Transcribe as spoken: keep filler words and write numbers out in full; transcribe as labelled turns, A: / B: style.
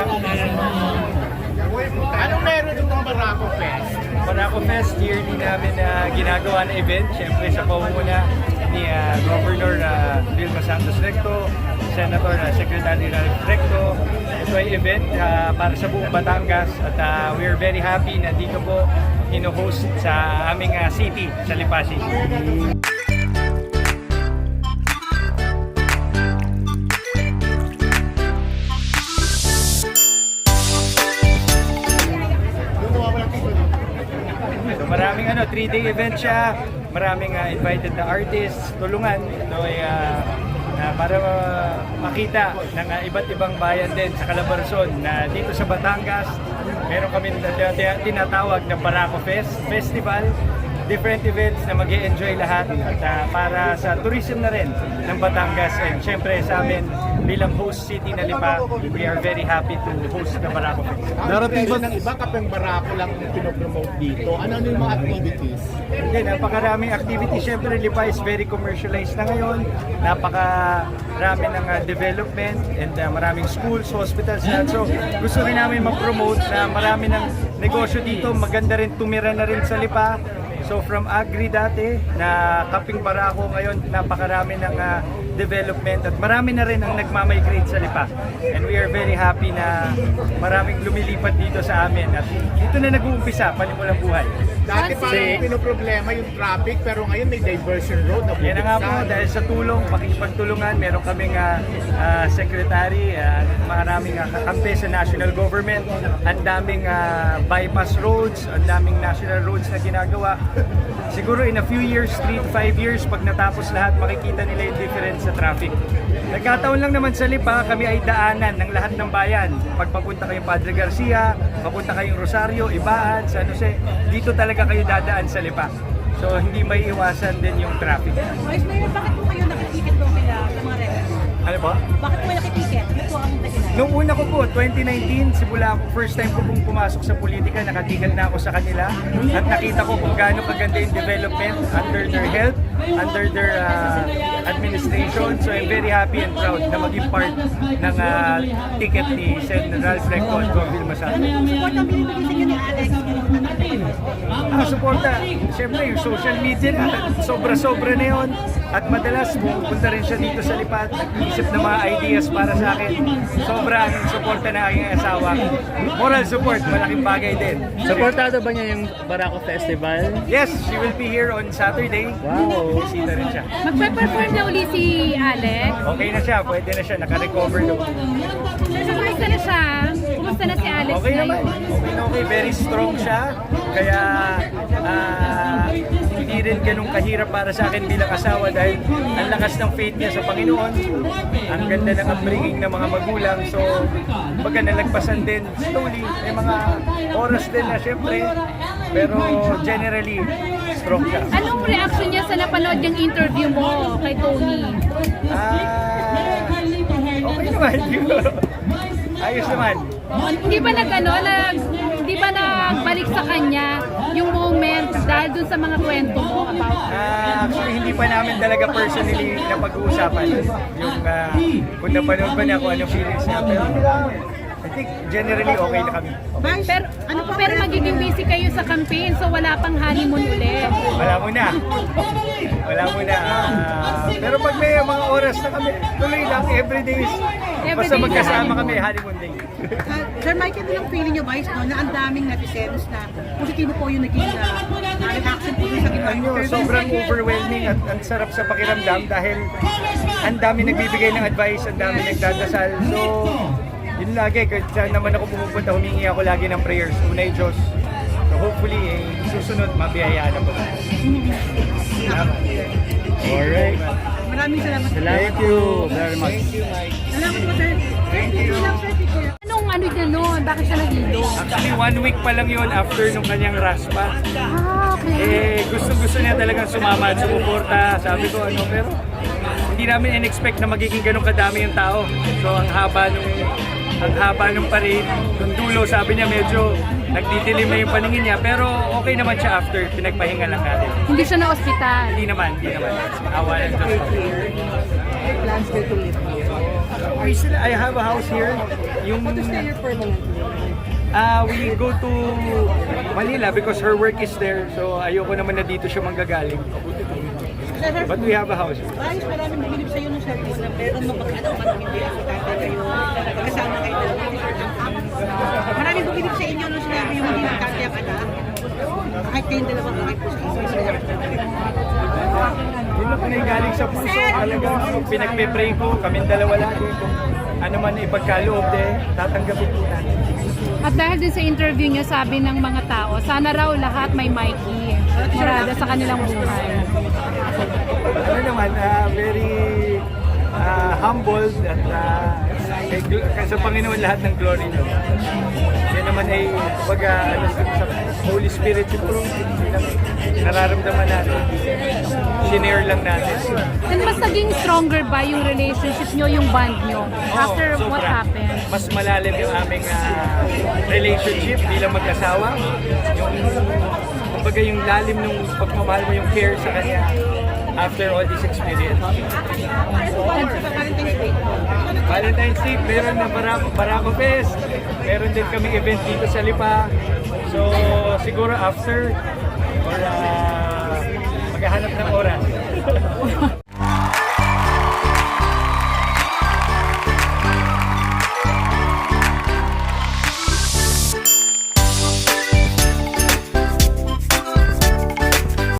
A: Anong meron itong Barako Fest?
B: Barako Fest, yearly namin na ginagawa na event. Siyempre sa pamumuna ni uh, Governor uh, Vilma Santos Recto, Senator uh, Secretary Ralph Recto. Ito ay event uh, para sa buong Batangas at uh, we are very happy na dito po hino-host sa aming uh, city, sa Lipa City. Maraming ano, three-day event siya, maraming uh, invited na artists, tulungan. Ito ay uh, uh, para uh, makita ng uh, iba't ibang bayan din sa Calabarzon na dito sa Batangas, meron kami tinatawag na Barako Fest Festival. Different events na mag-e-enjoy lahat at uh, para sa tourism na rin ng Batangas, and syempre sa amin bilang host city na Lipa, we are very happy to host the Barako Fest.
A: Darating ba ng iba kapag Barako lang yung pinopromote dito? Ano-ano yung mga activities?
B: Hindi, napakaraming activities. Syempre Lipa is very commercialized na ngayon. Napakarami ng uh, development and uh, maraming schools, hospitals na. So gusto rin namin ma-promote na marami ng negosyo dito. Maganda rin tumira na rin sa Lipa. So from agri dati na Kaping Barako, ngayon napakarami ng uh, development at marami na rin ang nagmamigrate sa Lipa. And we are very happy na maraming lumilipat dito sa amin at dito na nag-uumpisa panimulang buhay.
A: Dati parang pinoproblema yung traffic pero ngayon may diversion road na bubuksan.
B: Yan na nga po, dahil sa tulong, pakikipagtulungan, meron kaming uh, uh, secretary, uh, maraming uh, kakampi sa national government, ang daming uh, bypass roads, ang daming national roads na ginagawa. Siguro in a few years, three to five years, pag natapos lahat, makikita nila yung difference sa traffic. Nagkataon lang naman sa Lipa, kami ay daanan ng lahat ng bayan. Pag papunta kayong Padre Garcia, papunta kayong Rosario, Ibaan, San Jose, dito talaga kayo dadaan sa Lipa. So hindi may iwasan din yung traffic.
C: Vice Mayor, bakit po kayo nakitiket doon kaya sa mga residents?
B: Ano po?
C: Bakit po kayo nakitiket? Ano po ang dahilan?
B: Nung una ko po, twenty nineteen, simula ako, first time ko pong pumasok sa politika, nakatigan na ako sa kanila at nakita ko kung gaano kaganda yung development under their help, under their uh, administration. So I'm very happy and proud na maging part ng uh, ticket ni Senator Ralph Recto at Governor Masado.
C: Support ang binibigay sa inyo ni Alex.
B: Ang suporta, siyempre yung social media na, sobra-sobra na yun. At madalas pupunta rin siya dito sa Lipa at nag-iisip ng mga ideas para sa akin. Sobra ang suporta na aking asawa. Moral support, malaking bagay din.
D: Supportado ba niya yung Barako Festival?
B: Yes, she will be here on Saturday.
D: Wow.
B: Bisita rin siya.
C: Magpe-perform na uli si Alex.
B: Okay na siya, pwede na siya, naka-recover na.
C: So, kumusta na siya? Kumusta na si Alex
B: Okay naman,
C: ngayon?
B: okay na okay, very strong siya. Kaya ah, hindi rin ganun kahirap para sa akin bilang asawa dahil ang lakas ng faith niya sa Panginoon. Ang ganda ng upbringing ng mga magulang. So, baga nalagpasan din slowly. May mga oras din na syempre. Pero generally, strong siya.
C: Anong reaction niya sa napanood yung interview mo kay Tony?
B: Ah, okay naman. Ayos naman.
C: Hindi ba nag ano, nag, hindi ba nagbalik sa kanya yung moment dahil dun sa mga kwento mo about
B: Ah, actually, hindi pa namin talaga personally na pag-uusapan yung uh, kung napanood ba niya kung anong feelings niya. Pero I think generally okay na kami.
C: Pero, ano pa, pero magiging busy kayo sa campaign, so wala pang honeymoon ulit.
B: Wala muna. Wala muna. Ah, pero pag may mga oras na kami, tuloy lang, everyday is basta
C: Everyday
B: magkasama
C: na
B: kami, honeymoon day.
E: Uh, Sir Mike, ito yung feeling nyo, Vice, no, na ang daming netizens na positibo po yung naging uh, reaction po sa ginawa
B: Ano,
E: interview.
B: sobrang overwhelming at ang sarap sa pakiramdam dahil ang dami nagbibigay ng advice, ang dami nagdadasal. So, yun lagi, kahit saan naman ako pumupunta, humingi ako lagi ng prayers. Unay Diyos. So hopefully, eh, susunod, mabiyayaan ako.
D: Alright.
E: Maraming salamat.
D: Thank you very much.
B: Thank you, Mike.
E: Salamat po, sir.
B: Thank you.
E: Lang, sir, picture.
C: Anong ano niya noon? Bakit siya nahilo?
B: Actually, one week pa lang yun after nung kanyang raspa.
C: Ah, okay.
B: Eh, gusto-gusto niya talagang sumama at sumuporta. Sabi ko, ano, pero hindi namin in-expect na magiging ganun kadami yung tao. So, ang haba nung ang haba nung parade, nung dulo, sabi niya medyo nagdidilim na yung paningin niya. Pero okay naman siya after, pinagpahinga lang natin.
C: Hindi siya na ospital.
B: Hindi naman, hindi naman. Awa ng Diyos.
E: Plans kayo to live here.
B: I, still, I have a house here. yung
E: Want to stay here permanently?
B: Ah, we go to Manila because her work is there. So ayoko naman na dito siya manggagaling.
E: Sir,
B: But we have a house.
E: Ayos, maraming bumilib sa'yo nung sabi mo na meron mapag-ano ka nung hindi ako tatay kayo. Kasama kayo dalawa. Maraming bumilib sa inyo nung sinabi yung hindi tatay ang anak. Kahit kayong dalawa kahit po sa inyo.
B: Yun na galing sa puso. Talagang pinagpe-pray ko. Kaming dalawa lagi. Kung ano man ipagkaloob eh, tatanggapin po natin.
C: At dahil din sa interview niya, sabi ng mga tao, sana raw lahat may Mikey. Marada sa kanilang buhay.
B: Ano naman, ah, very ah, humbled at uh, kay, gl- sa Panginoon lahat ng glory no. Yan naman ay pag ano, sa Holy Spirit siguro yung nararamdaman natin. Sinare lang natin.
C: And mas naging stronger ba yung relationship nyo, yung bond nyo, after
B: Oo,
C: what
B: sobra.
C: happened?
B: Mas malalim yung aming ah, relationship bilang mag-asawa. Yung, kumbaga yung lalim ng pagmamahal mo, yung care sa kanya after all this experience. Valentine's Day, meron na Barako, Barako Fest. Meron din kaming event dito sa Lipa. So, siguro after or uh, maghahanap ng oras.